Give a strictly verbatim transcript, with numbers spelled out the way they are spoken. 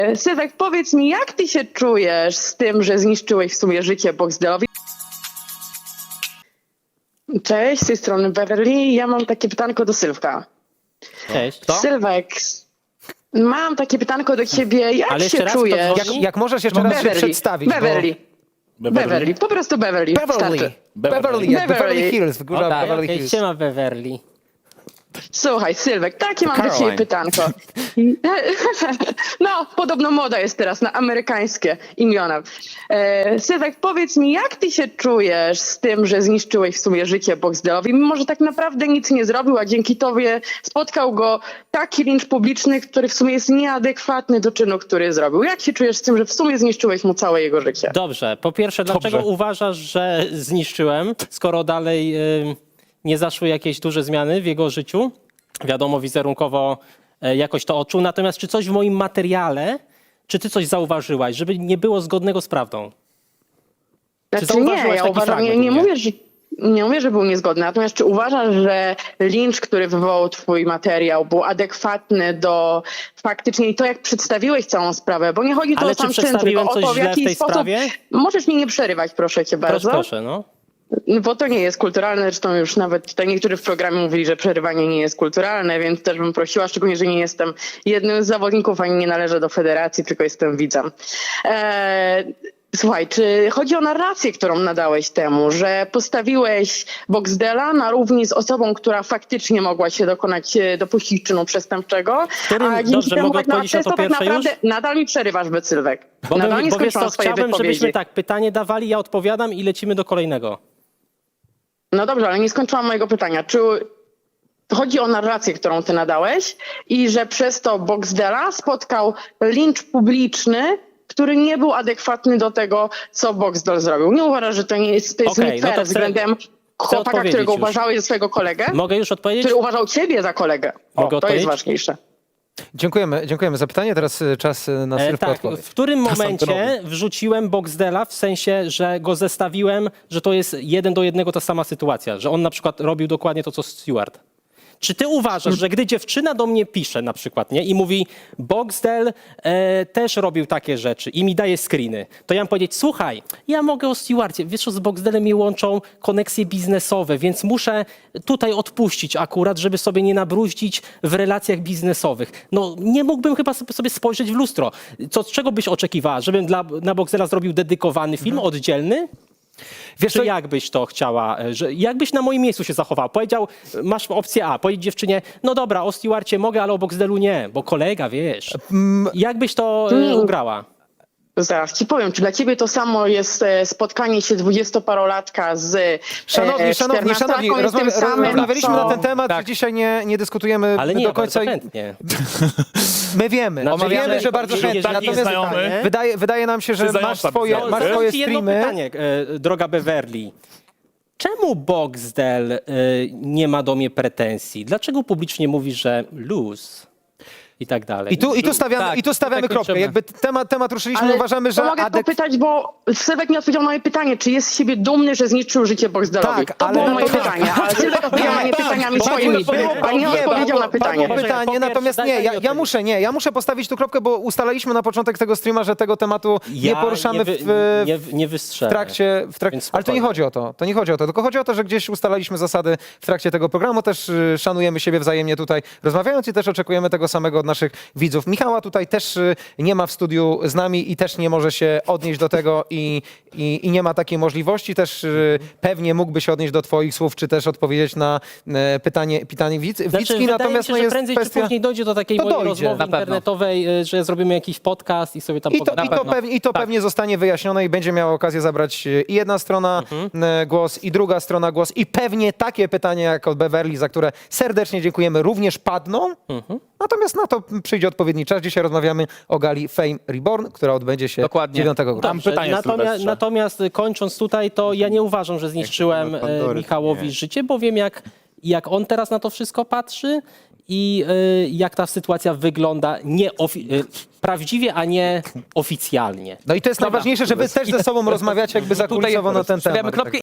Sylwek, powiedz mi, jak ty się czujesz z tym, że zniszczyłeś w sumie życie Boxdelowi? Cześć, z tej strony Beverly. Ja mam takie pytanko do Sylwka. Cześć. To? Sylwek, mam takie pytanko do ciebie. Jak Ale jeszcze się raz, czujesz? kto Jak, jak możesz jeszcze raz się Beverly, przedstawić? Beverly. Bo... Beverly, po prostu Beverly. Beverly. Starczy. Beverly, jak Beverly. Beverly Hills, w górze O, tak, Beverly okej, Hills. siema Beverly. Słuchaj, Sylwek, takie mam do Caroline. ciebie pytanko. No, podobno moda jest teraz na amerykańskie imiona. E, Sylwek, powiedz mi, jak ty się czujesz z tym, że zniszczyłeś w sumie życie Boxdelowi, mimo że tak naprawdę nic nie zrobił, a dzięki tobie spotkał go taki lincz publiczny, który w sumie jest nieadekwatny do czynu, który zrobił. Jak się czujesz z tym, że w sumie zniszczyłeś mu całe jego życie? Dobrze, po pierwsze, dlaczego Dobrze. uważasz, że zniszczyłem, skoro dalej y, nie zaszły jakieś duże zmiany w jego życiu? Wiadomo, wizerunkowo y, jakoś to odczuł. Natomiast czy coś w moim materiale, czy ty coś zauważyłaś, żeby nie było zgodnego z prawdą? Znaczy zauważyłaś nie, ja taki uważam, nie, fragment nie u mnie? mówię, że nie mówię, że był niezgodny, natomiast czy uważasz, że lincz, który wywołał twój materiał, był adekwatny do faktycznie i to, jak przedstawiłeś całą sprawę, bo nie chodzi tu Ale o czy sam czyn, przedstawiłem tylko o coś to, w źle w jaki tej sposób... sprawie? Możesz mi nie przerywać, proszę cię Proszę, bardzo. proszę, no. Bo to nie jest kulturalne, zresztą już nawet tutaj niektórzy w programie mówili, że przerywanie nie jest kulturalne, więc też bym prosiła, szczególnie, że nie jestem jednym z zawodników, ani nie należę do federacji, tylko jestem widzem. Eee, Słuchaj, czy chodzi o narrację, którą nadałeś temu, że postawiłeś Boxdela na równi z osobą, która faktycznie mogła się dokonać, e, dopuścić czynu przestępczego, Którym- a dzięki dobrze, temu mogę tak, na, odpowiedzieć na często to tak pierwsze naprawdę już? nadal mi przerywasz, Becylwek. Bo, Nadal my, nie bo wiesz skończyłam co, swojej chciałbym, wypowiedzi. żebyśmy tak pytanie dawali, ja odpowiadam i lecimy do kolejnego. No dobrze, ale nie skończyłam mojego pytania. Czy chodzi o narrację, którą ty nadałeś i że przez to Boxdela spotkał lincz publiczny, który nie był adekwatny do tego, co Boxdel zrobił? Nie uważasz, że to nie jest, to jest Okej, nie no fair to chcę- względem chłopaka, odpowiedzieć którego już. uważałeś za swojego kolegę, Mogę już odpowiedzieć? który uważał ciebie za kolegę. O, Mogę to odpowiedzieć? jest ważniejsze. Dziękujemy, dziękujemy za pytanie. Teraz y, czas y, na E, Sylwka tak, odpowiedź. w którym Czas momencie antenowy. wrzuciłem Boxdela, w sensie, że go zestawiłem, że to jest jeden do jednego ta sama sytuacja, że on na przykład robił dokładnie to, co Stewart. Czy ty uważasz, że gdy dziewczyna do mnie pisze na przykład, nie, i mówi Boxdel e, też robił takie rzeczy i mi daje screeny, to ja mam powiedzieć, słuchaj, ja mogę o Stewarcie, wiesz, co, z Boxdelem mi łączą koneksje biznesowe, więc muszę tutaj odpuścić akurat, żeby sobie nie nabruździć w relacjach biznesowych. No nie mógłbym chyba sobie spojrzeć w lustro. Co, czego byś oczekiwała? Żebym dla, na Boxdela zrobił dedykowany film, oddzielny? Wiesz Czy co, jak byś to chciała, że jakbyś na moim miejscu się zachował? Powiedział, masz opcję A, powiedzieć dziewczynie, no dobra, o Stewarcie mogę, ale o Boxdelu nie, bo kolega, wiesz. Jak byś to e, ugrała? Zaraz ci powiem, czy dla ciebie to samo jest e, spotkanie się dwudziestoparolatka z e, Szanowni, szanowni, szanowni, czternastolatką i rozmawia, tym samym, rozmawialiśmy co... na ten temat, Tak. dzisiaj nie, nie dyskutujemy Ale nie, do końca. bardzo chętnie. My wiemy, Znaczy, my wiemy, ja- że bardzo jeżeli chętnie. taki Natomiast znajomy- wydaje, wydaje nam się, że Czy masz zająca swoje, biznes? masz Zadam swoje ci jedno streamy. pytanie, e, droga Beverly. Czemu Boxdel e, nie ma do mnie pretensji? Dlaczego publicznie mówi, że lose i tak dalej? I tu, i tu stawiamy, Tak, i tu stawiamy tak kropkę. kończymy. Jakby temat, temat ruszyliśmy, Ale uważamy, to że mogę adek... popytać, bo Sylwek nie odpowiedział na moje pytanie, czy jest z siebie dumny, że zniszczył życie Boxdelowi. Tak, to ale- było moje to- pytanie, ale Sylwek odpowiedział na nie pytaniami Bo- swoimi, bo- bo- a nie bo- odpowiedział bo- na pytanie. Padło pytanie, Po pierwsze, natomiast daj- nie, daj ja, mi ja odpowiedzieć. muszę, nie, ja muszę postawić tu kropkę, bo ustalaliśmy na początek tego streama, że tego tematu nie Ja poruszamy nie, wy, w, nie, nie w wystrzelę. trakcie, w trak... Więc Ale to nie spokojnie. chodzi o to, to nie chodzi o to, tylko chodzi o to, że gdzieś ustalaliśmy zasady w trakcie tego programu, też y, szanujemy siebie wzajemnie tutaj rozmawiając i też oczekujemy tego samego od naszych widzów. Michała tutaj też y, nie ma w studiu z nami i też nie może się odnieść do tego i, i, i nie ma takiej możliwości. Też y, pewnie mógłby się odnieść do twoich słów, czy też odpowiedzieć na y, pytanie, pytanie widz, Znaczy, widzki, wydaje natomiast mi no się, że jest prędzej kwestia... czy później dojdzie do takiej To mojej dojdzie, rozmowy na pewno. internetowej, y, że zrobimy jakiś podcast i sobie tam I to, pogadamy. i to, pewnie, i to Tak. pewnie zostanie wyjaśnione i będzie miała okazję zabrać e, i jedna strona Mhm. e, głos, i druga strona głos. I pewnie takie pytania jak od Beverly, za które serdecznie dziękujemy, również padną. Mhm. Natomiast na to przyjdzie odpowiedni czas. Dzisiaj rozmawiamy o gali Fame Reborn, która odbędzie się Dokładnie. dziewiątego grudnia. Mam Dobrze, pytanie, natomiast, Sylwestrze. natomiast kończąc tutaj, to ja nie uważam, że zniszczyłem Jak e, Pandory, Michałowi nie. życie, bo wiem jak, jak on teraz na to wszystko patrzy i e, jak ta sytuacja wygląda nie ofi- e, prawdziwie, a nie oficjalnie. No i to jest najważniejsze, że wy też ze sobą rozmawiacie jakby zakulisowo na ten temat. Stawiamy kropkę